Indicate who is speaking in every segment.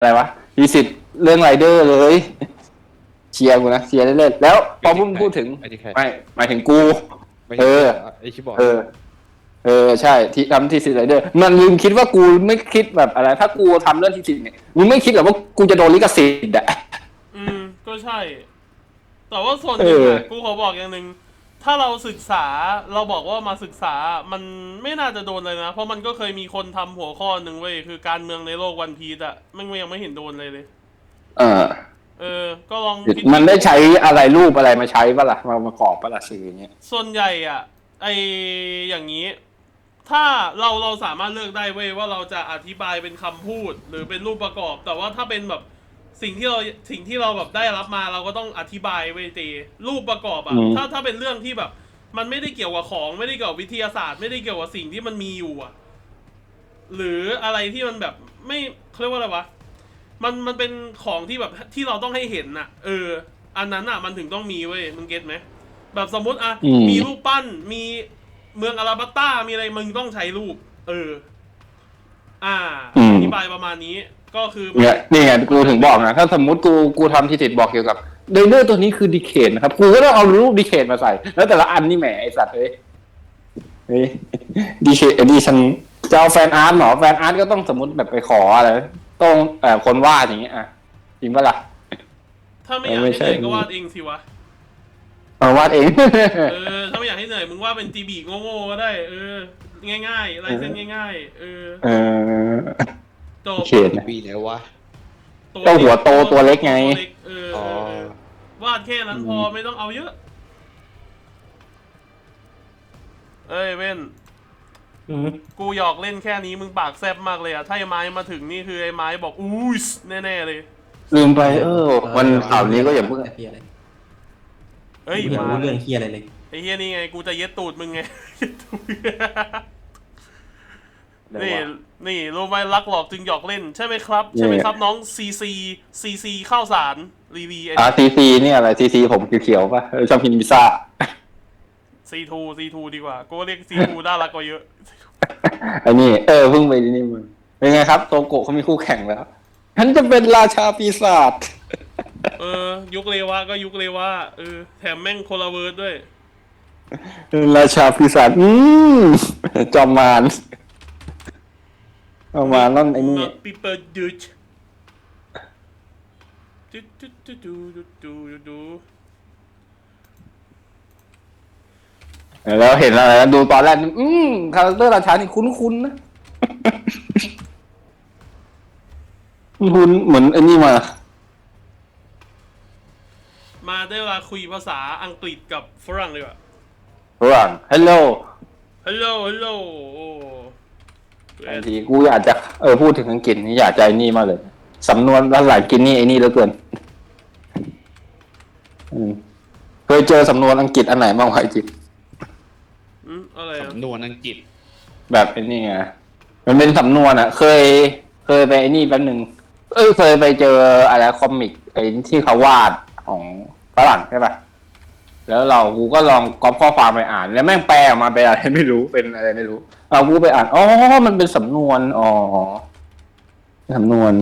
Speaker 1: อะไรวะมีสิทธิ์เรื่องไรเดอร์เลยเชียร์กูนะเชียร์เล่นๆแล้วพอพูดถึงไม่หมายถึงกูเออ
Speaker 2: ไอชิบอร์ด
Speaker 1: ใช่ที่ทำที่สิทธิ์ไรเดอร์มันลืมคิดว่ากูไม่คิดแบบอะไรถ้ากูทำเรื่องที่สิทธิ์เนี่ยมึงไม่คิดหรอกว่ากูจะโดนลิขสิทธิ์อะ
Speaker 3: ก็ใช่แต่ว่าส่วนหนึ่งกูขอบอกอย่างหนึ่งถ้าเราศึกษาเราบอกว่ามาศึกษามันไม่น่าจะโดนเลยนะเพราะมันก็เคยมีคนทำหัวข้อหนึ่งเว้ยคือการเมืองในโลกวันพีซอะมันยังไม่เห็นโดนเลยก็ลอง
Speaker 1: มันได้ใช้อะไรรูปอะไรมาใช้ปะล่ะมาประกอบปะล่ะสื่ออย่างเงี้ย
Speaker 3: ส่วนใหญ่อะอย่างนี้ถ้าเราสามารถเลือกได้เว้ยว่าเราจะอธิบายเป็นคำพูดหรือเป็นรูปประกอบแต่ว่าถ้าเป็นแบบสิ่งที่เราแบบได้รับมาเราก็ต้องอธิบายเว้ยตีรูปประกอบอะถ้าเป็นเรื่องที่แบบมันไม่ได้เกี่ยวกับของไม่ได้เกี่ยวกับวิทยาศาสตร์ไม่ได้เกี่ยวกับสิ่งที่มันมีอยู่อะหรืออะไรที่มันแบบไม่เขาเรียกว่าอะไรวะมันเป็นของที่แบบที่เราต้องให้เห็นน่ะอันนั้นน่ะมันถึงต้องมีเว้ยมึงเก็ตไหมแบบสมมติมีรูปปั้นมีเมืองอาราบัตตามีอะไรมึงต้องใช้รูปอธิบายประมาณนี้ก็คือ
Speaker 1: นี่ไงกูถึงบอกนะถ้าสมมติกูทำที่ติดบอกเกี่ยวกับเดเนอร์ตัวนี้คือดีเคทนะครับกูก็ต้องเอารูปดีเคทมาใส่แล้วแต่ละอันนี่แหมไอสัตว์เฮ้ยดีเคทดีฉันจะเอาแฟนอาร์ตหรอแฟนอาร์ตก็ต้องสมมติแบบไปขออะไรต้องคนวาดอย่างเงี้ยจริงปะล่ะ
Speaker 3: ถ้าไม่อยากให้เหนื่อยก็วาดเองสิวะ
Speaker 1: วาดเอง
Speaker 3: ถ้าไม่อยากให้เหนื่อยมึงวาดเป็นจีบีโง่ๆก็ได้ง่ายๆลายเส้นง่ายๆ
Speaker 1: เขต
Speaker 2: ปีไหนวะ
Speaker 1: ตัวหัวโตตัวเล็กไง
Speaker 3: วาดแค่นั้นพอไม่ต้องเอาเยอะเว้นกูหยอกเล่นแค่นี้มึงปากแซบมากเลยอะถ้าไอ้ไม้มาถึงนี่คือไอ้ไม้บอกอุ้ยแน่ๆเลย
Speaker 1: ลืมไปวันข่าวนี้ก็อย่าเพิ่ง
Speaker 4: มาเรื่องเฮียอะไรเลย
Speaker 3: ไอ้เฮียนี่ไงกูจะเย็ดตูดมึงไงนี่รู้ไหมรักหลอกจึงหยอกเล่นใช่ไหมครับใช่ไหมครับน้องซีข้าวสารรีวี
Speaker 1: ซีนี่อะไรซีผมเขียวๆป่ะชอบกินพิซซ่า
Speaker 3: ซีทูดีกว่ากูเรียกซีทูน่ารักกว่าเยอะ
Speaker 1: อันนี้เพิ่งไปนี่มึงเป็นไงครับโตโกะเขามีคู่แข่งแล้วฉันจะเป็นราชาปีศาจ
Speaker 3: ยุคเลวะก็ยุคเลวะแถมแม่งโคลาเวิร์ดด้วย
Speaker 1: ราชาปีศาจจอมมารเอามานั่นไอ้นี่
Speaker 3: ปีเปิดดู
Speaker 1: แล้วเห็นอะไรดูตอนแรกคาแรคเตอร์ราชานี่คุ้นๆนะคุ้นเหมือนไอ้นี่
Speaker 3: มาได้เวลาคุยภาษาอังกฤษกับฝรั่งเลยว่ะ
Speaker 1: ฝรั่ง hello บางทีกูอยากจะพูดถึงอังกฤษนี่อยากใจนี่มากเลยสำนวนภาษาอังกฤษนี่ไอ้นี่เหลือเกินเคยเจอสำนวนอังกฤษอันไหนบ้างวะจิ
Speaker 3: อะไร
Speaker 2: สำนวนอังกฤษ
Speaker 1: แบบไอ้นี่ไงมันเป็นสำนวนอ่ะเคยไปไอ้นี่แป๊บนึงเคยไปเจออะไรคอมิกไอ้ที่เขาวาดของฝรั่งใช่ป่ะแล้วกูก็ลองก๊อปข้อความไปอ่านแล้วแม่งแปลออกมาเป็นอะไรไม่รู้เป็นอะไรไม่รู้กูไปอ่านมันเป็นสำนวนสำนวน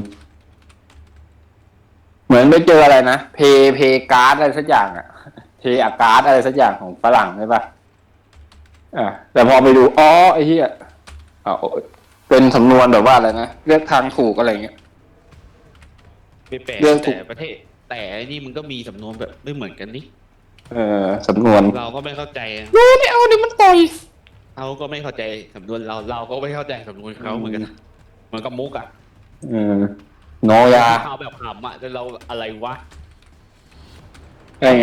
Speaker 1: เหมือนไปเจออะไรนะเพการ์ดอะไรสักอย่างอ่ะเพอาการ์ดอะไรสักอย่างของฝรั่งใช่ป่ะแต่พอไปดูไอ้เหี้ยเป็นสำนวนแบบว่าอะไรนะเลือกทางถูกอะไรเงี้ย
Speaker 2: ไปแปลแต่ประเทศแต่นี่มันก็มีสำนวนแบบไม่เหมือนกันนี่
Speaker 1: สำนวน
Speaker 2: เราก็ไม่เข้าใจ
Speaker 1: ไม่เอาดิมันต่อย
Speaker 2: เขาก็ไม่เข้าใจสำนวนเราก็ไม่เข้าใจสำนวนเขาเหมือนกันเหมือนกับมุก
Speaker 1: โนยา
Speaker 2: เขาแบบขำแต่เราอะไรวะ
Speaker 1: ไง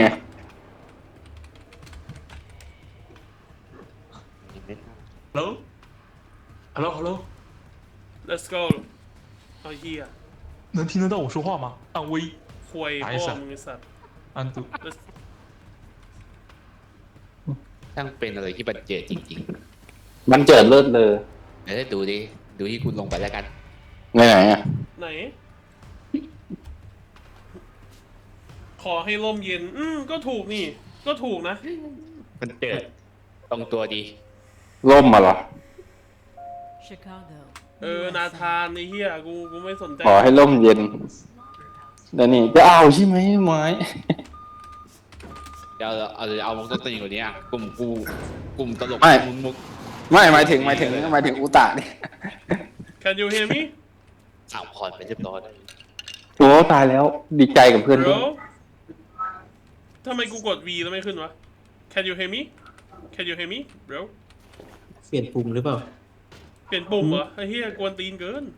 Speaker 3: Hello Let's go เฮีย
Speaker 5: 能听得到我说话吗？暗威，
Speaker 3: คุยพ่อมึงไอ้สัตว์
Speaker 5: 安度，
Speaker 2: ช่างเป็นอะไรที่บันเจิดจริง
Speaker 1: ๆมันเจิดเลิศเลย
Speaker 2: เดี๋ยวดูที่คุณลงไปแล้วกัน
Speaker 1: ไหน
Speaker 3: ไหนขอให้ร่มเย็นก็ถูกนี่ก็ถูกนะ
Speaker 2: มันเจิดตรงตัวดี
Speaker 1: ร่มมาเหรอ
Speaker 3: นาธานไอ้เหี้ยกูไม่สนใจ
Speaker 1: ขอให้ร่มเย็นเดี๋ยวนี้จะเอาใช่ไหมไม้
Speaker 2: เอาวงต้นตีนกว่านี้อ่ะกลุ่มตลกมุก
Speaker 1: ไม่หมายถึงอุตะนี่
Speaker 3: Can you hear me
Speaker 2: อ้าวพอดไปเรียบร้อย
Speaker 1: โอ้ตายแล้วดีใจกับเพื่อนด้วย
Speaker 3: bro ทำไมกูกด V แล้วไม่ขึ้นวะ Can you hear me Can you hear me bro
Speaker 4: เปลี่ยนปุ่มหรือเปล่า
Speaker 3: เปลี่ยนปุ่มเหรอไอ้เหี้ยกวนตีนเกิน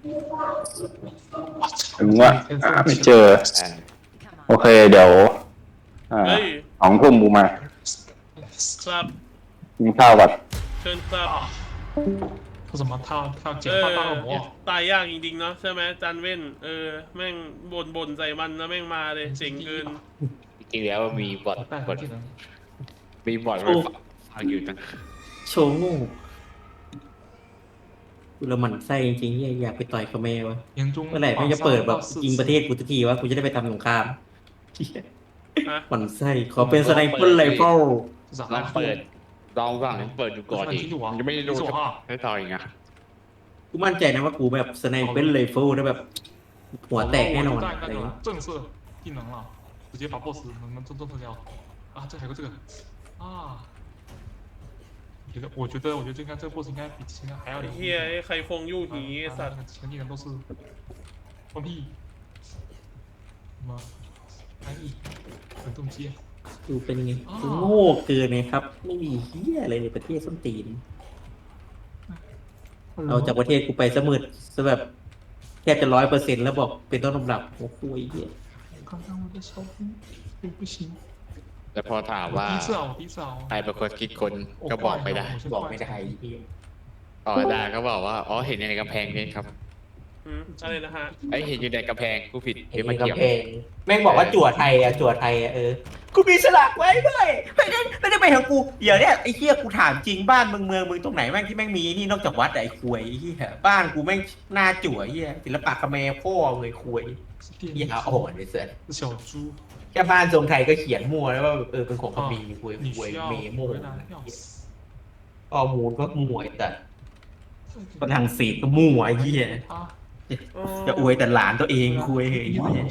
Speaker 1: ถึงว่าไม่เจอ โอเคเดี๋ยว
Speaker 3: เฮ้ย
Speaker 1: 2 ทุ่มกูมา
Speaker 3: ครับ
Speaker 1: กินข้าวก่อน
Speaker 3: เชิญครับ
Speaker 5: 说什么？他要简化大恶魔。
Speaker 3: ตายยากจริงๆเนาะใช่ไหมจันเว้นแม่งบ่นใส่มันแล้วแม่งมาเลยเจ๋งเกิน
Speaker 2: จริงๆแล้วมีบอท
Speaker 5: 带
Speaker 2: บอท
Speaker 5: 技能。
Speaker 2: มีบอทไว้ฟังอยู่ตั้ง
Speaker 4: โชว์โง่กูละหมันไส้จริงๆอยากไปต่อยคาเมวะ
Speaker 5: 年终
Speaker 4: เมื่อไหร่แม่งจะเปิดแบบยิงประเทศกูสักทีวะกูจะได้ไปทำสงคราม
Speaker 3: ฮะ
Speaker 4: หมันไส้ขอเป็นสไนเปอร์ไรเฟิล
Speaker 2: ลองเปิดลองฟังเปิดดูก่อนดิยังไม่ได้ดูให้ต่ออีกอ่ะ
Speaker 4: กูมั่นใจนะว่ากูแบบสไนเปอร์ไรเฟิลได้แบบหัวแตกแน่นอนอะไร
Speaker 5: 那
Speaker 4: เงี้
Speaker 5: 个
Speaker 4: ย
Speaker 5: 正色技能了，直接把 BOSS 能震慑掉。啊，这还有个这个啊，我觉得这应该这个 BOSS 应该比之前还要
Speaker 3: ไอ้
Speaker 5: 厉
Speaker 3: เหี้ย
Speaker 5: 害。
Speaker 3: ไอ้ใครฟงยู่หีไอ้สัตว์
Speaker 5: 之前技能都是放屁，什么翻译、滚动机。
Speaker 4: กูเป็นไงกูโง่เกินไงครับ ไม่มีเฮียอะไรในประเทศส้นตีนเอาจากประเทศกูไปสมืดซะแบบแทบจะ100%แล้วบอกเป็นต้นตำรับโอ้โหเฮีย
Speaker 5: 刚刚我的小兵不行，
Speaker 2: แล้วพอถามว่า
Speaker 5: 第一次啊，我第一次啊，
Speaker 2: ใครเป็นคนคิดคนก็บอกไม่ได้
Speaker 4: บอกไม่ได้เฮีย
Speaker 2: อ๋อได้ก็บอกว่าอ๋อเห็นในกำแพงเพชรครับ
Speaker 3: อะไรนะฮะ
Speaker 2: ไอเห็นอยู่ในกำแพงกูผิด
Speaker 4: เห็น
Speaker 2: ไม่
Speaker 4: ใน
Speaker 2: เกี่ยว
Speaker 4: กำแพงแม่งบอกว่าจั่วไทยอ่ะกูมีสลักไว้ด้วยไม่ได้ไปของกูเดี๋ยวเนี่ยไอ้เหี้ยกูถามจริงบ้านเมืองมึงตรงไหนแม่งที่แม่งมีนี่นอกจากวัดอะไอ้ควยไอ้เหี้ยบ้านกูแม่งหน้าจั่วเหี้ยศิลปะคาเมร์พ่อเลยควย
Speaker 5: 是
Speaker 4: เหี้ย
Speaker 5: 电
Speaker 4: อ่อนเลยเสือ
Speaker 5: 是小猪，
Speaker 4: แค่บ้านทรงไทยก็เขียนมั่วแล้วว่าเป็นของคาเมร์ควย
Speaker 5: 你
Speaker 4: ควย
Speaker 5: 需要
Speaker 4: เมโม่
Speaker 5: 回来要死。
Speaker 4: ข้อมูลก็มั่วแต่ฝรั่งเศสก็มั่วไอ้เหี้ย
Speaker 5: 啊，
Speaker 4: จะอวยแต่หลานตัวเองควยไอ้เหี้ย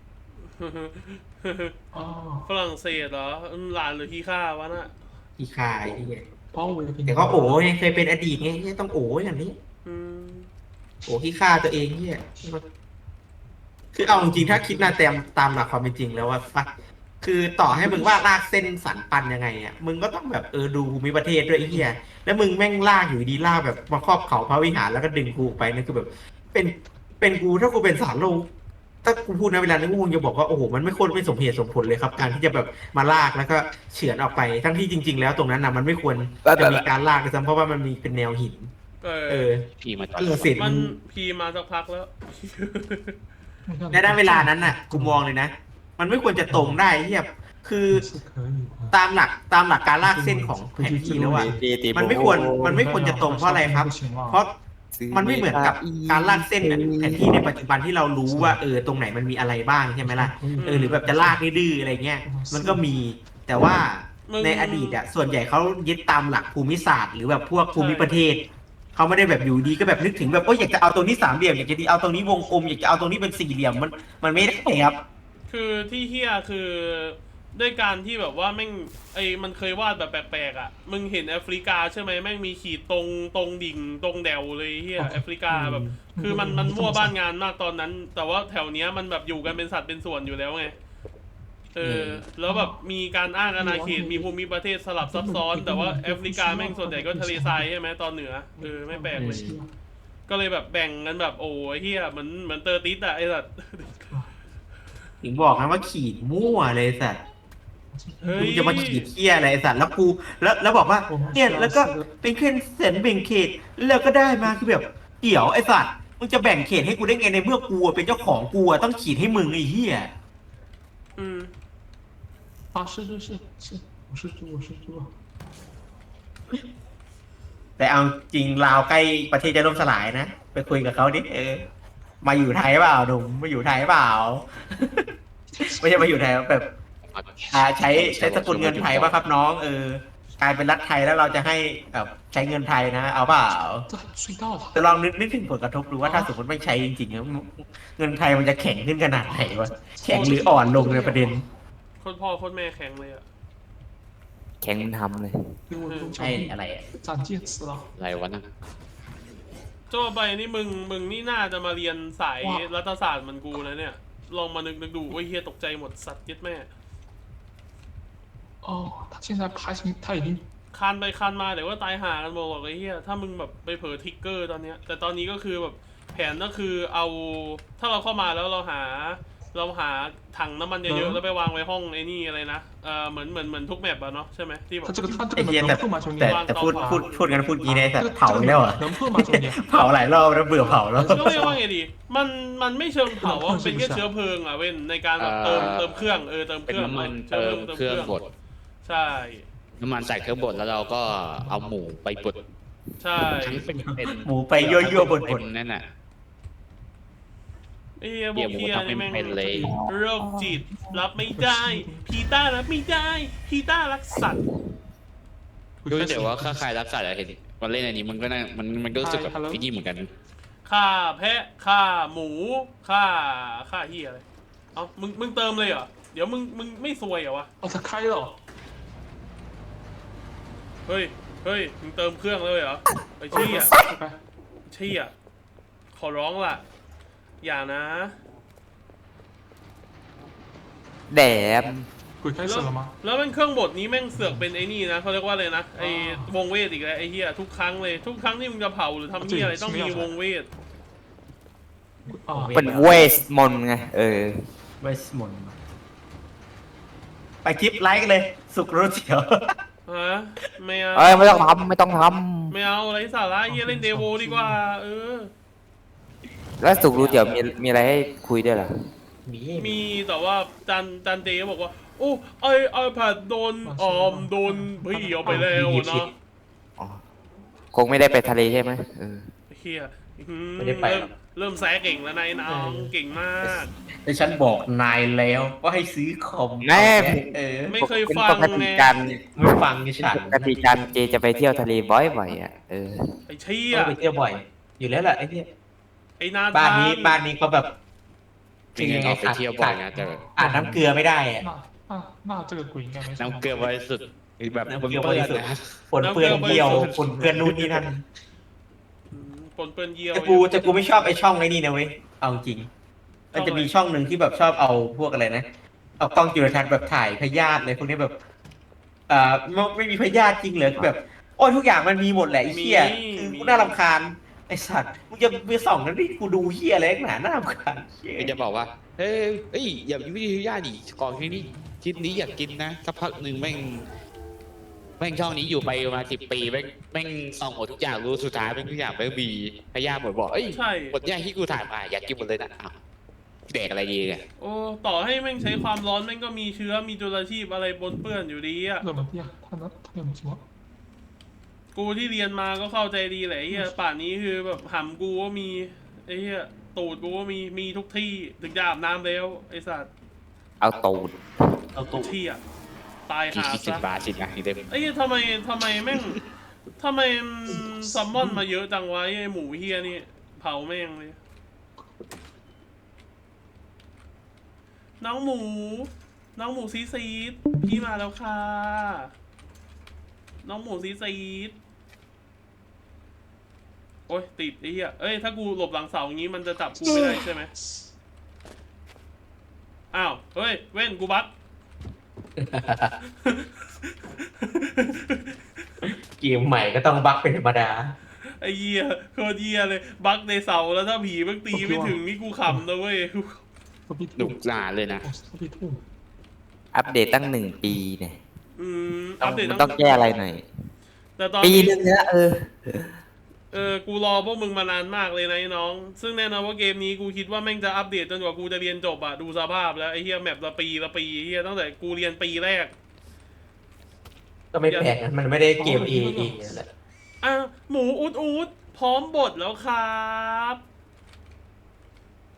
Speaker 5: 啊，
Speaker 3: ฝรั่งเศสเหรอหลานหรือขี้ข้าวะน่ะ
Speaker 4: ที่คายไอ้เหี้ย
Speaker 5: 包围了
Speaker 4: แต่ก็โอ้ยเคยเป็นอดีตไงเหี้ยต้องโอ้ยอย่างนี้
Speaker 3: อืม
Speaker 4: โอ้ที่ฆ่าตัวเองเนี่ยคือเอาจริงๆถ้าคิดนะตามหลักความเป็นจริงแล้วว่าคือต่อให้มึงว่าลากเส้นสันปันยังไงอ่ะมึงก็ต้องแบบดูภูมิประเทศด้วยไอ้เหี้ยแล้วมึงแม่งลากอยู่ดีลากแบบมาครอบเขาพระวิหารแล้วก็ดึงกูไปนั่นคือแบบ เป็นกูถ้ากูเป็นสารโลกถ้ากูพูดในเวลานี้กูคงจะบอกว่าโอ้โหมันไม่ควรไม่สมเหตุสมผลเลยครับ การที่จะแบบมาลากแล้วก็เฉือนออกไปทั้งที่จริง ๆ แล้วตรงนั้นนะมันไม่ควรจะมีการลากเลยซ้ำเพราะว่ามันมีเป็นแนวหิน
Speaker 2: พี่มาต่อ
Speaker 4: เสร็จ
Speaker 3: มันพีมาสักพักแล้ว
Speaker 4: ในด้านเวลานั้นน่ะกูมองเลยนะ มันไม่ควรจะตรงได้เทียบคือตามหลักการลากเส้นของแผนที่แล้วอ่ะมันไม่ควรจะตรงเพราะอะไรครับ เพราะมันไม่เหมือนกับการลากเส้นแผนที่ในปัจจุบันที่เรารู้ว่าตรงไหนมันมีอะไรบ้างใช่ไหมล่ะหรือแบบจะลากดื้ออะไรเงี้ยมันก็มีแต่ว่าในอดีตอ่ะส่วนใหญ่เขายึดตามหลักภูมิศาสตร์หรือแบบพวกภูมิประเทศเขาไม่ได้แบบอยู่ดีก็แบบนึกถึงแบบอยากจะเอาตรงนี้สามเหลี่ยมอยากจะเอาตรงนี้วงกลมอยากจะเอาตรงนี้เป็นสี่เหลี่ยมมันไม่ได้ครับ
Speaker 3: คือที่เฮียคือด้วยการที่แบบว่าแม่งมันเคยวาดแบบแปลกๆอ่ะมึงเห็นแอฟริกาใช่ไหมแม่งมีขีดตรงดิ่งตรงแดวเลยเฮียแอฟริกาแบบคือมันมั่วบ้านงานมากตอนนั้น แต่ว่าแถวเนี้ยมันแบบอยู่กันเป็นสัตว์เป็นส่วนอยู่แล้วไงแล้วแบบมีการอ้างอาณาเขตมีภูมิประเทศสลับซับซ้อน แต่ว่าแอฟริกาแม่งส่วนใหญ่ก็ทะเลทรายใช่ไหมตอนเหนือไม่แปลกเลยก็เลยแบบแบ่งกันแบบโอ้ยเฮียเหมือนเตอร์ติสอะไอ้สัตว์
Speaker 4: ถึงบอกนะว่าขีดมั่วเลยสัตว์มึงจะมาขีดเที่ยอะไรสัตว์แล้วกูแล้วบอกว่าเนี่ยแล้วก็เป็นแค่เส้นแบ่งเขตแล้วก็ได้มาคือแบบเดี๋ยวไอ้สัตว์มึงจะแบ่งเขตให้กูได้ไงในเมื่อกูเป็นเจ้าของกูต้องขีดให้มึงไอ้เหี้ย
Speaker 5: 啊，是，我是猪。
Speaker 4: แต่เอาจริงลาวใกล้ประเทศจะล่มสลายนะไปคุยกับเขาดิมาอยู่ไทยเปล่าหนุ่มมาอยู่ไทยเปล่า ไม่ใช่มาอยู่ไทยแบบใช้สกุลเงินไทยป่ะครับน้องกลายเป็นรัฐไทยแล้วเราจะให้แบบใช้เงินไทยนะ เอาเปล่า
Speaker 5: 这隧道
Speaker 4: แต่ลองนึกถึงผลกระทบดูว่าถ้าสมมติไม่ใช้จริงๆแล้วเงินไทยมันจะแข็งขึ้นขนาดไหนวะแข็งหรืออ่อนลงในประเด็น
Speaker 3: โคนพ่อโคนแม่แข็งเลยอะ
Speaker 6: แข่งมันทำเลย
Speaker 5: 给我用
Speaker 4: ใช่อะไรอะ
Speaker 5: 斩剑死了。
Speaker 2: อะไรวะนั่น
Speaker 3: โจ้ไปนี่มึงนี่น่าจะมาเรียนสายรัฐศาสตร์เหมือนกูนะเนี่ย ลองมานึกดูโอ้ยเฮียตกใจหมดสัตว์ยึดแม่
Speaker 5: 哦，他现在排成他已经
Speaker 3: คันไปคันมาเดี๋ยวว่าตายห่ากันหมดหรอกไอ้เหี้ยถ้ามึงแบบไปเผลอทิกเกอร์ตอนเนี้ยแต่ตอนนี้ก็คือแบบแผนก็คือเอาถ้าเราเข้ามาแล้วเราหาถังน้ำมันเยอะๆแล้วไปวางไว้ห้องไอ้นี่อะไรนะเหมือนทุกแมปอะเนาะใช่ไหมที่แบบ
Speaker 5: 他这个他这
Speaker 4: ไอ้
Speaker 5: 个
Speaker 4: เหี้ย
Speaker 5: 能
Speaker 4: แต่
Speaker 5: 破吗，兄弟？
Speaker 4: แต่พูดกันพูดงี้นะแต่
Speaker 5: 这个
Speaker 4: เผาอีกแล้วเหรอ
Speaker 5: 能破吗，兄弟？
Speaker 4: เผาหลายรอบแล้วเบื่อเผาแล้ว
Speaker 3: ก็เรียกว่าไงดีมันไม่เชิงเผาอะมันเป็นแค่เชื้อเพลิงอะเว้นในการแบบเติมเครื่องเติมเค
Speaker 2: เป็น
Speaker 3: รื่อง
Speaker 2: น้ำมันเติมเครื่องบด
Speaker 3: ใช่
Speaker 2: น้ำมันใส่เครื่องบดแล้วเราก็เอาหมูไปบด
Speaker 3: ใช่
Speaker 2: ทั้งเป็น
Speaker 4: หมูไปยั่วๆบน
Speaker 2: เป็นนั่นน่ะ
Speaker 3: ไอ้เหี้ยพวกเหี้ยนี่แม่ง
Speaker 2: เป็นเลย
Speaker 3: โรคจิตรับไม่ได้พีต้ารับไม่ได้พีต้ารักสัตว์
Speaker 2: ดูแต่ว่าค่าใครรักสัตว์อะเห็นมันเล่นอันนี้มันก็น่ามันก็รู้สึกแบบไอ้นี่เหมือนกัน
Speaker 3: ฆ่าแพะฆ่าหมูฆ่าเหี้ยอะไรเอ้ามึงเติมเลยเหรอเดี๋ยวมึงไม่ซวยเหรอวะ
Speaker 5: 哦，他开了。
Speaker 3: เฮ้ยมึงเติมเครื่องเลยเหรอไอ้เชี่ย
Speaker 5: 拜拜。
Speaker 3: เชี่ยขอร้องล่ะอย่านะ
Speaker 6: แดม
Speaker 5: 鬼开始了吗？
Speaker 3: แล้วมันเครื่องบดนี้แม่งเสือกเป็นไอ้นี่นะเขาเรียกว่าอะไรนะไอ้วงเวทอีกแล้วไอ้เหี้ยทุกครั้งเลยทุกครั้งที่มึงจะเผาหรือทำเหี้ยอะไรต้องมีวงเวท
Speaker 5: 啊，
Speaker 6: เป็นเวสมนต์ไงเออ
Speaker 4: เวสมนต์ไปคลิปไลค์กันเลย สุกรู้เฉียว
Speaker 3: ฮะไม่เอา
Speaker 6: เอ้ยไม่ต้องทำไม่ต้องท
Speaker 3: ไม่เอาอะไรสาระเหี้ยเล่นเดโวดีกว่า
Speaker 6: ำแล้วสุกรู้เดี๋ยวมีอะไรให้คุยด้วยเหรอ
Speaker 3: มีแต่ว่าจันเดย์บอกว่าโอ้ไอแพดโดนพี่เอาไปแล้วนะ
Speaker 6: อ๋อคงไม่ได้ไปทะเลใช่ไหมเออ
Speaker 3: เฮีย
Speaker 4: ไม่ได้ไปหรอก
Speaker 3: เริ่มแซะเก่งแล้วนายน้องเก่งมาก
Speaker 4: แต่ฉันบอกนายแล้วว่าให้ซื้อคอม
Speaker 6: แม่
Speaker 3: ไม่เคยฟัง
Speaker 6: ปกติ
Speaker 3: ไง
Speaker 6: การ
Speaker 4: ไม่ฟังฉัน
Speaker 6: ปกติการเจจะไปเที่ยวทะเลบ่อยๆอ่ะเออ
Speaker 3: ไอเชี่ย
Speaker 4: ไปเที่ยวบ่อย อยู่แล้วแหละไอ้เนี่ย
Speaker 3: ไอนา
Speaker 4: บ้าน
Speaker 3: ธาน
Speaker 4: นี้เขาแบบ
Speaker 2: จริงๆออกไปเที่ยวบ่อยนะแต่
Speaker 4: อาบน้ำเกลือไม่ได้อะ
Speaker 5: 那这个鬼应该没什么。
Speaker 2: น้ำเกลือไว้สุดแบบ
Speaker 4: น้ำ
Speaker 2: เปื้
Speaker 4: เกลือไว้
Speaker 2: อน
Speaker 4: สุด
Speaker 2: ๆนะ
Speaker 4: ฝนเปื้อนเยี่ยวฝนเปื้อนนู่นนี่นั่น
Speaker 3: ปนเปื้อนเยี่ยว
Speaker 4: แต่กูไม่ชอบไอ้ช่องไอ้นี่นะเว้ยเอาจริงมันจะมีช่องหนึ่งที่แบบชอบเอาพวกอะไรนะเอากล้องจุลทรรศน์แบบถ่ายพยาธิเลยพวกนี้แบบไม่มีพยาธิจริงเหรอคือแบบโอ้ยทุกอย่างมันมีหมดแหละไอ้เหี้ยคือกูน่ารำคาญไอ้สัตว์มึงจะไปส่องนั้นที่กูดูเหี้ยอะไรนักหนาน่ารำคาญเหี้ย
Speaker 2: ก็จะบอกว่าเฮ้ยอย่าวิทยาดิก่อนที่นี่ชิ้นนี้อยากกินนะสักพักหนึ่งแม่งช่องนี้อยู่ไปประมาณ10 ปีแม่งส่องหมดทุกอย่างรู้สุดท้ายแม่งทุกอย่างแม่งมีพยาธิหมดบอกเอ้ย
Speaker 3: ใช่
Speaker 2: หมดย่างที่กูถ่ายมาอยากกินหมดเลยนะอ้าวแดกอะไรดีเนี่ย
Speaker 3: โอ้ต่อให้แม่งใช้ความร้อนแม่งก็มีเชื้อมีจุลชีพอะไรปนเปื้อนอยู่ดีอะ
Speaker 5: 怎么样？他有什么？
Speaker 3: กูที่เรียนมาก็เข้าใจดีแหละไอ้เฮียป่านนี้คือแบบหำกูก็มีไอ้เฮียตูดกูก็มีทุกที่ถึงจะอาบน้ำแล้วไอ้สัตว์
Speaker 6: เอาตูด
Speaker 4: เอาตัว
Speaker 3: เที่ยตาย
Speaker 2: กี่
Speaker 3: หา
Speaker 2: สิบ
Speaker 3: ซะ
Speaker 2: บาทสินะอีกเต็ม
Speaker 3: ไอ้เหี้ยทำไมแม่งทำไมซัมมอนมาเยอะจังวะไอ้หมูเฮียนี่เผาแม่งเลยน้องหมูซีดพี่มาแล้วค่ะน้องหมูซีดโอ้ยติดไอ้เหี้ยเอ้ยถ้ากูหลบหลังเสาอย่างงี้มันจะจับกูไม่ได้ใช่ไหมอ้าวเฮ้ยเว้นกูบัก
Speaker 4: เกมใหม่ก็ต้องบั๊กเป็นธรรมดา
Speaker 3: ไอ้เหี้ยโคตรเหี้ยเลยบักในเสาแล้วถ้าผีมันตีไม่ถึงนี่กูขำนะเว้ย
Speaker 5: 何必
Speaker 2: หนุกหนาเลยนะ
Speaker 5: 哦，何必吐？
Speaker 6: อัปเดตตั้ง1 ปีเนี่ย
Speaker 3: อัปเดต
Speaker 6: มันต้องแก้อะไรหน่อย
Speaker 3: แต่ตอน
Speaker 6: ปี
Speaker 3: นี้
Speaker 6: นึงแล้ว
Speaker 3: กูรอพวกมึงมานานมากเลยนะไอ้น้อง ซึ่งแน่นอนว่าเกมนี้กูคิดว่าแม่งจะอัปเดตจนกว่ากูจะเรียนจบอะดูสภาพแล้วไอ้เหี้ยแมปละปีไอ้เหี้ยตั้งแต่กูเรียนปีแรก
Speaker 4: ก็ไม่แปลกนะมันไม่ได้เกมเองแหละ
Speaker 3: อ่ะหมูอูดพร้อมบดแล้วครับ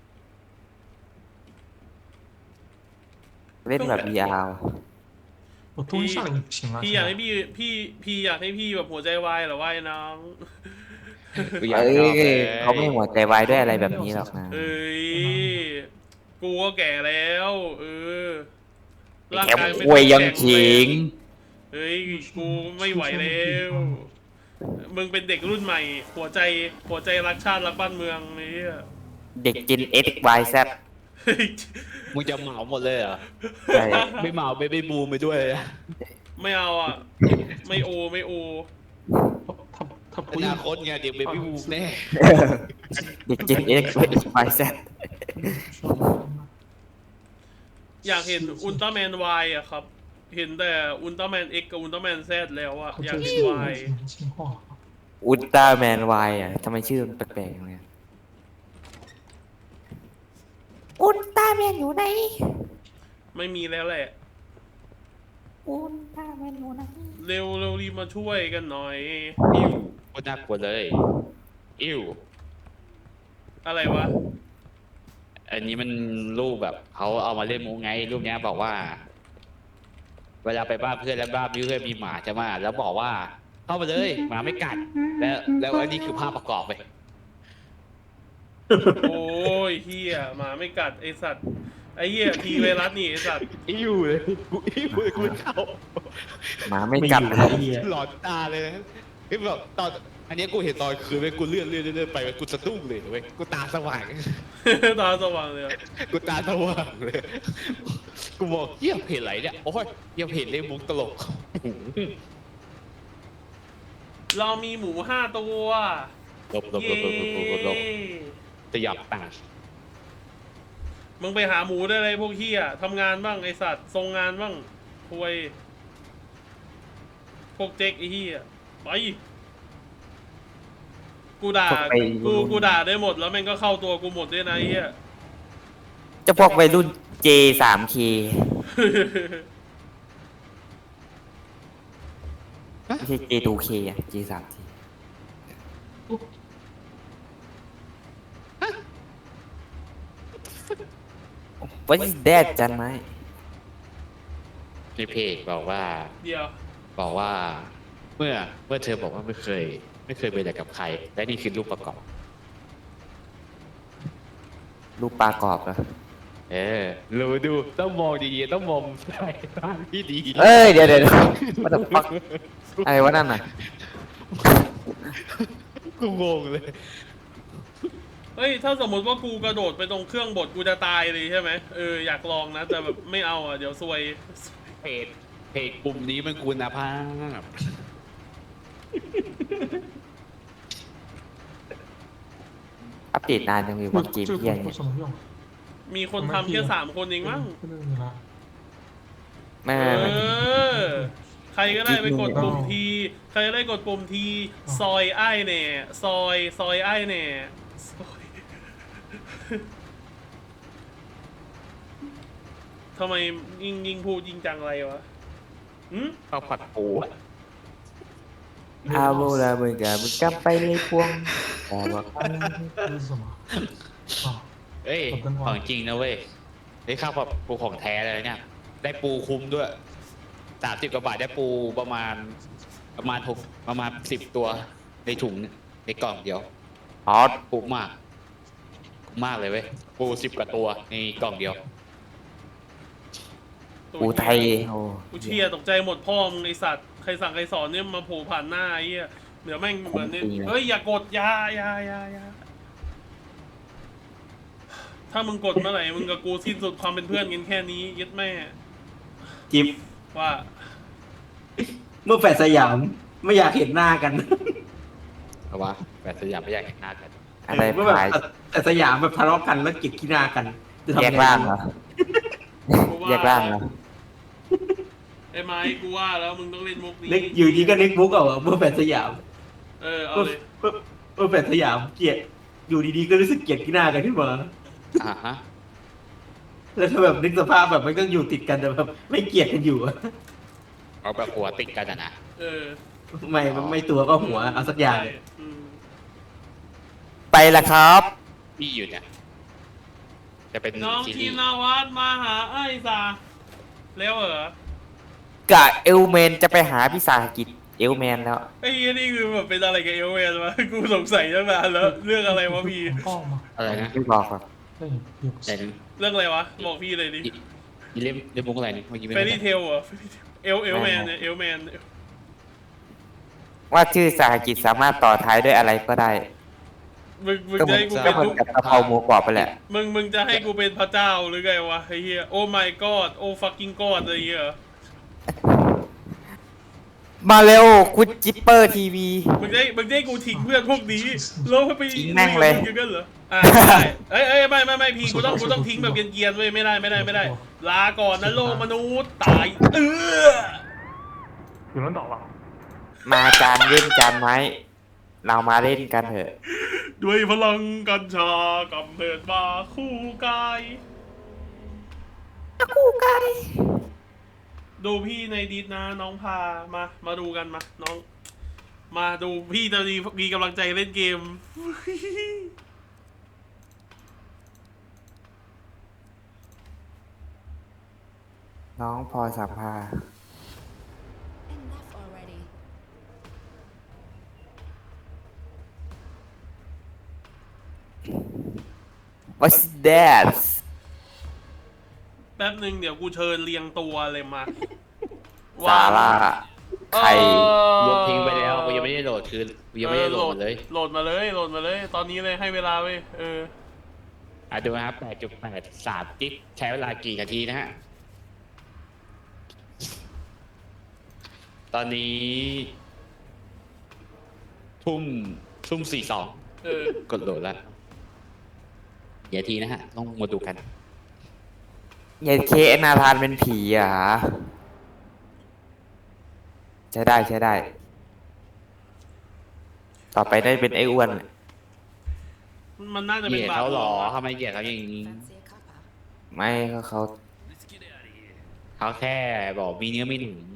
Speaker 6: เล่นแบบ VR
Speaker 5: 我多一下就不行了。
Speaker 3: พี่อยากให้พี่อยากให้พี่แบบหัวใจวายเหรอวะไอ้น้อง
Speaker 2: กูอยาก
Speaker 6: เอ้
Speaker 2: ชอบเลย
Speaker 6: เขาไม่หัวใจวายด้วยอะไรแบบนี้หรอกนะ
Speaker 3: เอ้ยกูก็แก่แล้วร่าง
Speaker 6: แค่
Speaker 3: กายไม่
Speaker 6: อวยยัง
Speaker 3: แข็แร
Speaker 6: ขิง
Speaker 3: เฮ้ยกูไม่ไหวแล้วมึงเป็นเด็กรุ่นใหม่ หัวใจรักชาติรักบ้านเมืองไอ้เหี้ย
Speaker 6: เด็กจิน X Y Z
Speaker 3: เฮ้ย
Speaker 2: มึงจะเหมาหมดเลยเหรอ
Speaker 6: ใช่
Speaker 2: ไม่เหมาไม่บูมไปด้วยเลย
Speaker 3: ไม่เอาอ่ะ ไม่โอ
Speaker 5: 他不
Speaker 2: อ
Speaker 5: 用
Speaker 2: นาคตไงเด็กเบบี้บูมแน่
Speaker 6: เด็กจิน X Y Z
Speaker 3: อยากเห็นอุลตร้าแมนวายอ่ะครับ เห็นแต่อุลตร้าแมน X กับอุลตร้าแมน Z แล้วอ่ะ
Speaker 5: 他
Speaker 3: อยาก
Speaker 5: 这
Speaker 3: เห็น
Speaker 5: 是
Speaker 3: วาย
Speaker 5: 什么情况？
Speaker 6: อุลตร้าแมน Y อ่ะทำไมชื่อมันแปลกๆอย่างเงี้ยอุลตร้าแมนอยู่ไหน
Speaker 3: ไม่มีแล้วแหละ
Speaker 6: อุลตร้าแมนอยู่ไหน
Speaker 3: เร็วรีบมาช่วยกันหน่อย
Speaker 2: อิวโคตรน่ากลัวเลยอิว
Speaker 3: อะไรวะ
Speaker 2: อันนี้มันรูปแบบเขาเอามาเล่นมูไงรูปเนี้ยบอกว่า เวลาไปบ้านเพื่อนแล้วบ้านเพื่อนมีหมาใช่ไหมแล้วบอกว่า เข้าไปเลยหมาไม่กัดแล้วอันนี้คือภาพประกอบไป
Speaker 3: โอ้ยเฮียหมาไม่กัดไอสัตว์ ไอเฮียทีไวรัสนี่ไอสัตว์
Speaker 2: อิวเลยกูอิวเลยกูไม่เข้า
Speaker 6: หมาไม่กัด
Speaker 2: หลอนตาเลยนะคือแบบตอนอันเนี้ยกูเห็นตอนคืนเว้ยกูเลื่อนไปเว้ยกูสะดุ้งเลยเว้ยกูตาสว่าง
Speaker 3: ตาสว่างเลยอะ
Speaker 2: กูตาสว่างเลย กูบอกเยี่ยมเพจไหนเนี่ย โอ้ยเยี่ยมเพจเล่นมุกตลก
Speaker 3: เรามีหมู5 ตัว
Speaker 2: ลบ
Speaker 3: เย้
Speaker 2: จะหยับตังค์
Speaker 3: มึงไปหาหมูได้เลยพวกเฮียทำงานบ้างไอสัตว์ทรงงานบ้างควยพวกเจ๊กไอเฮียไปกูด่ากูด่าได้หมดแล้วแม่งก็เข้าตัวกูหมดด้วยนะไอ้เฮีย
Speaker 6: เจะพวกวัยรุ่น J 3 K ไม่ใช่ J 2 K อ่ะ J 3 K What is that จันไหม
Speaker 2: ในเพจบอกว่า
Speaker 3: เดี๋ยว
Speaker 2: บอกว่า เมื่อเธอบอกว่าไม่เคยไปไหนกับใคร และนี่คือรูปประกอบ
Speaker 6: รูปปลากรอบเหรอ
Speaker 2: รู้ดูต้องมองดีๆต้องมองใส่ตาที่ดี
Speaker 6: เอ้ย เดี๋ยว What the fuck อะไรวะนั่นน่ะ
Speaker 2: กูงงเลย
Speaker 3: เฮ้ยถ้าสมมติว่ากูกระโดดไปตรงเครื่องบดกูจะตายเลยใช่ไหมอยากลองนะแต่แบบไม่เอาอ่ะเดี๋ยวซวย
Speaker 2: เพจกลุ่มนี้มันคุณภาพ
Speaker 6: อัปเดตนานจังเลยวันเกม
Speaker 5: 这
Speaker 6: เพี้ย
Speaker 5: 个
Speaker 6: เนี่ย
Speaker 5: 有什么用？
Speaker 3: มีคนทำแค่3 คนเองมั้ง
Speaker 5: 不能你了。
Speaker 6: ไม่
Speaker 3: ใครก็ได้ไปกดปุ่มทีใครก็ได้กดปุ่มทีซอยไอ้แน่ซอยไอ้แน่ซอยทำไมยิ่งพูดยิ่งจังไรวะหืม
Speaker 2: ข้าวผัดปูอะ
Speaker 6: อาโบลาเบกาบุกลับไปเลยพวงแต่ว่า
Speaker 5: 这是什么？啊，
Speaker 2: เอ้ยของจริงนะเว้ยได้ข้าวผัดปูของแท้เลยเนี่ย ได้ปูคุ้มด้วย30 กว่าบาทได้ปูประมาณ10 ตัวในถุงในกล่องเดียว
Speaker 6: อ๋อ
Speaker 2: คุ้มมากเลยเว้ยปู10 กว่าตัวในกล่องเดียว
Speaker 6: ปูไทยโอ้
Speaker 3: กูเชียตกใจหมดพ่อมึงไอสัตว์ใครสั่งใครสอนเนี่ยมาโผล่ผ่านหน้าไอ้เหี้ยเดี๋ยวแม่งเหมือนเนี่ยเฮ้ยอย่ากดอยาถ้ามึงกดเมื่อไหร่มึงกับกูสิ้นสุดความเป็นเพื่อนกันแค่นี้ยึดแม่
Speaker 4: จิ๊บ
Speaker 3: ว่า
Speaker 4: เมื่อแฟดสยามไม่อยากเห็นหน้ากัน
Speaker 2: เอาวะแบบสยามไม่อยากเห็นหน้ากัน
Speaker 6: อะไร
Speaker 4: เมื่อแบบ
Speaker 6: พาย
Speaker 4: แต่สยามแบบทะเลาะกันแล้วเกลียดขี้หน้ากันจะทำ
Speaker 6: แย
Speaker 4: ยั
Speaker 6: ก
Speaker 4: งไง
Speaker 6: ร่างเหรอ
Speaker 3: กูว่า
Speaker 6: แยกร่างเหรอ
Speaker 3: ไอ้ไม้กูว่าแล้วมึงต้องเล่นมุกนี้
Speaker 4: นึกอยู่ดีก็นึกมุกเอาอะเมื่อแฟดสยาม
Speaker 3: เอาเลย
Speaker 4: เมื่อแฟดสยามเกลียดอยู่ดีๆก็รู้สึกเกลียดขี้หน้ากันขึ้นมา
Speaker 2: อ่าฮะ
Speaker 4: แล้วถ้าแบบนึกสภาพแบบมันก็อยู่ติดกันแต่แบบไม่เกลียดกันอยู่อะ
Speaker 2: เอาแบบหัวติดกันอะนะ
Speaker 4: ไม่ตัวก็หัวเอาสักอย่าง
Speaker 3: ใช่อืม
Speaker 6: ไปละครับ
Speaker 2: พี่อยู่เนี่ยจะเป็น
Speaker 3: น้อง
Speaker 2: ซี
Speaker 3: ที
Speaker 2: รีส์
Speaker 3: นาวัฒน์มาหาไอ้ซาแล้วเหรอ
Speaker 6: กะเอลเมนจะไปหาพิสาหกิจเอลแมนแล้ว
Speaker 3: ไอ้เหี้ยนี่คือแบบเป็นอะไรกับเอลเวนวะกูสงสัยตั้งนานแล้วเรื่องอะไรวะพี่
Speaker 5: ก็มา
Speaker 2: อะไรนะ
Speaker 6: ไม่บอกครับ
Speaker 5: ได้เดี๋ยว
Speaker 2: ไหนนะ
Speaker 3: เรื่องอะไรวะบอกพี่เลยดิ
Speaker 2: อีเล่มมุกอะไรนี่เมื่อกี้ไม่
Speaker 3: เฟร
Speaker 2: ได้
Speaker 3: รี่เทลเหรอเอลแมนเนี่ยเอลแมน
Speaker 6: ว่าชื่อสาหกิจสามารถต่อท้ายด้วยอะไรก็ได้
Speaker 3: มึง
Speaker 6: ก็
Speaker 3: จะ
Speaker 6: เหมือน
Speaker 3: ให้กู
Speaker 6: ก็
Speaker 3: เป็น
Speaker 6: เหมือน
Speaker 3: ทุก
Speaker 6: กับกะเพราหมูกรอบไปแหละ
Speaker 3: มึงจะให้กูเป็นพระเจ้าหรือไงวะไอ้เหี้ยโอ้ my god โอ้ fucking god อะไรเงี้ยเหรอ
Speaker 6: มาเร็วคุณจิปเปอร์ทีวี
Speaker 3: มึงจะให้กูทิ้งเพื่อนพวกนี้แล้วไป
Speaker 6: ทิ้งแม่งเลย
Speaker 3: มึกันเหรอได้เอ้ยไม่พี่กูต้องทิ้งแบบเกรียนๆเว้ยไม่ได้ลาก่อนนะโลกมนุษย์ตาย
Speaker 5: อยู่นั้นต่อวะ
Speaker 6: มาจานเล่นจานไม้ เรามาเล่นกันเถอะ
Speaker 3: ด้วยพลังกัญชากำเนิดมาคู่กายดูพี่ในดิสนะน้องพามาดูกันมาน้อง มาดูพี่จะมีกำลังใจเล่นเกม
Speaker 6: น้องพอสัมภา
Speaker 7: Enough already.
Speaker 6: What's that
Speaker 3: แป๊บหนึ่งเดี๋ยวกูเชิญเรียงตัวเลยมา
Speaker 6: ซาร่าใคร
Speaker 2: ลบทิ้งไปแล้วกูยังไม่ได้โหลดคือกูยังไม่ได้โหลดมันเลย
Speaker 3: โหลดมาเลย ตอนนี้เลยให้เวลาเว้ย
Speaker 2: ดูนะครับ 8.83 กิกใช้เวลากี่นาทีนะฮะ ตอนนี้ทุ่ม42กดโหลดแล้วเดี๋ยวทีนะฮะ ต้องมาดูกัน
Speaker 6: เย็นเคนาธานเป็นผีอ่ะใช้ได้ ต่อไปได้เป็นไอ้อ้วน
Speaker 3: มันน่าจะ
Speaker 2: เห
Speaker 3: เป็น
Speaker 2: ยียด
Speaker 3: บาป
Speaker 2: เขาหรอ
Speaker 3: วะ
Speaker 2: ทำไมเหยียดเขาอย่างนี้
Speaker 7: Fancy a cuppa?
Speaker 6: ไม่ก็เขา
Speaker 2: เขาแค่บอกมีเนื้อไม่หนุน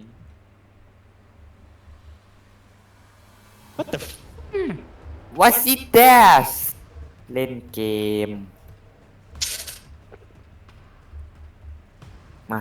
Speaker 6: What's it that เล่นเกม มา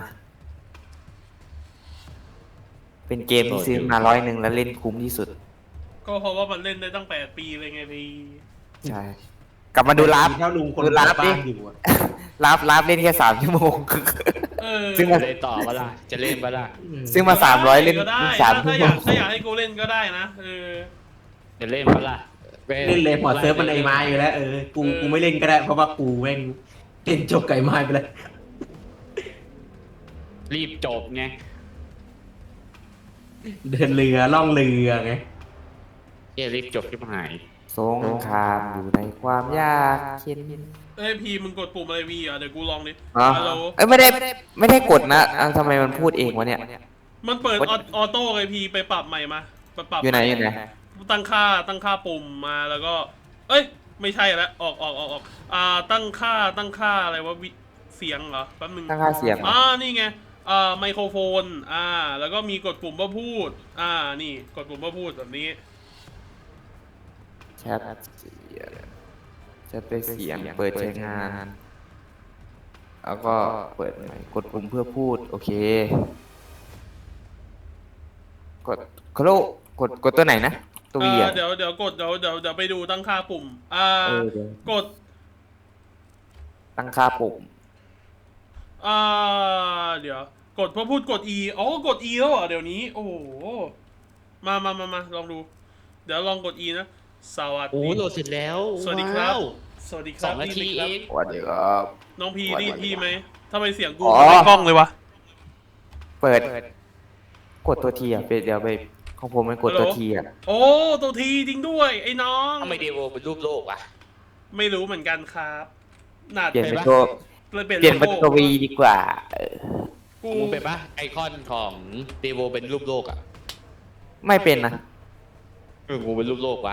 Speaker 6: เป็นเกมที่ซื้อมา100แล้วเล่นคุ้มที่สุด
Speaker 3: ก็เพราะว่ามันเล่นได้ตั้ง8 ปีเลยไงพี่
Speaker 6: ใช่ กลับมาดูลับ
Speaker 4: ถ้าลุงคน
Speaker 6: ดูลับดิ
Speaker 4: บ้านอยู่อะ
Speaker 6: ลับเล่นแค่3 ชั่วโมง ซึ่ง
Speaker 2: จะเล่นต่อปะล่ะ จะเล่นปะล่ะ
Speaker 6: ซึ่งมา300เล่น
Speaker 3: ก็ได้
Speaker 6: 3 ชั่
Speaker 3: ถ้าว อ
Speaker 6: โม
Speaker 3: ยาง กให้กูเล่นก็ได้นะ
Speaker 2: จะเล่นปะล่ะ
Speaker 4: เล่นเลยพอเซิร์ฟมันไอ้ไม้อยู่แล้วกูไม่เล่นก็ได้เพราะว่ากูแม่งเล่นจบไก่ไม้ไปแล้ว
Speaker 2: รีบจบไง
Speaker 4: เดินเรือล่องเรือไง
Speaker 2: รีบจบที่หาย
Speaker 6: สงครามอยู่ในความยากเข็น
Speaker 3: พี่มึงกดปุ่มอะไรวีอ่ะเดี๋ยวกูลองดิ
Speaker 6: อ๋อ
Speaker 3: ฮัลโหล
Speaker 6: เอ้ยไม่ได้กดนะทำไมมันพูดเองวะเนี่ย
Speaker 3: มันเปิดออโต้ไงพี่ไปปรับใหม่มาไปปรับ
Speaker 6: อยู่ไหน
Speaker 3: ตั้งค่าปุ่มมาแล้วก็ เอ้ยไม่ใช่แล้วออกตั้งค่าอะไรวะเสียงเหรอแป๊บนึง
Speaker 6: ตั้งค่าเสียง
Speaker 3: นี่ไงไมโครโฟนแล้วก็มีกดปุ่มว่าพูดนี่กดปุ่มว่าพูดแบบนี้
Speaker 6: แชทด้วยเสียงเปิดใช้งาน แล้วก็เปิดใหม่กดปุ่มเพื่อพูด โอเค กดกดตัวไหนนะตัววีอ่ะ
Speaker 3: เดี๋ยวกดเดี๋ยวไปดูตั้งค่าปุ่ม
Speaker 6: เดี๋ยว
Speaker 3: กด
Speaker 6: ตั้งค่าปุ่ม
Speaker 3: เดี๋ยวกดเพื่อพูดกด E กด E แล้วเหรอเดี๋ยวนี้โอ้โหมาลองดู เดี๋ยวลองกด E นะสวัส
Speaker 2: โอ้
Speaker 3: ดี
Speaker 2: โหลดเสร็จแล้ว
Speaker 3: สวัสดีครับ
Speaker 2: ว้าว
Speaker 3: สวัสดีค
Speaker 2: ส
Speaker 3: รั
Speaker 2: อบ งนาที
Speaker 3: พี่
Speaker 2: เอ
Speaker 3: ครับ
Speaker 2: ง
Speaker 6: สวัสดีครับ
Speaker 3: น้องพี
Speaker 6: สวัสดี
Speaker 3: นี่พี่ไหมทำไมเสียงกู
Speaker 6: อ๋อ
Speaker 3: ไม่กล้องเลยวะ
Speaker 6: เปิด กดตัวทีอ่ะเดี๋ยวไปของผมมันกดตัวทีอ่ะ
Speaker 3: โอ้ตัวทีจริงด้วยไอ้น้อง
Speaker 2: ทำไมเดโวเป็นรูปโลกวะ
Speaker 3: ไม่รู้เหมือนกันครับน่า
Speaker 6: เปลี่ยนเป็น
Speaker 3: ปะ
Speaker 6: ตัว
Speaker 3: เลยเปลี่ยน
Speaker 6: เปลี่ยนเป็น
Speaker 3: โล
Speaker 6: ตัว
Speaker 3: โก้
Speaker 6: วีดีกว่า
Speaker 3: กู
Speaker 2: มึงเป็นปะไอคอนของเดโวเป็นรูปโลกอ่ะ
Speaker 6: ไม่เป็นนะ
Speaker 2: กูเป็นรูปโลกวะ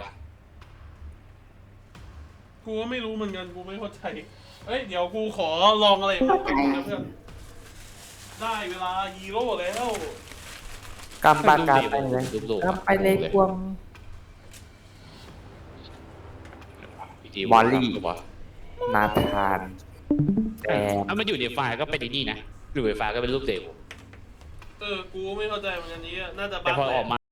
Speaker 3: กูก็ไม่รู้เหมือนกันกูไม่เข้าใจเอ้ยเดี๋ยวกูขอลองอะไรนะเพื่อนได้เวลาฮีโร่แล้ว
Speaker 6: กำปากกาไปเลยกำไปเลยควง มอลลี่ นาธานแต่
Speaker 2: ถ้ามันอยู่ในไฟล์ก็เป็นไอ้นี่นะอยู่ในไฟล์ก็เป็นรูปเดโว
Speaker 3: เอกูไม่เข้าใจเหมือนกันนี้น่าจะ
Speaker 2: แต่
Speaker 3: บั๊ก
Speaker 2: พอ
Speaker 3: แหละ
Speaker 2: ออกมา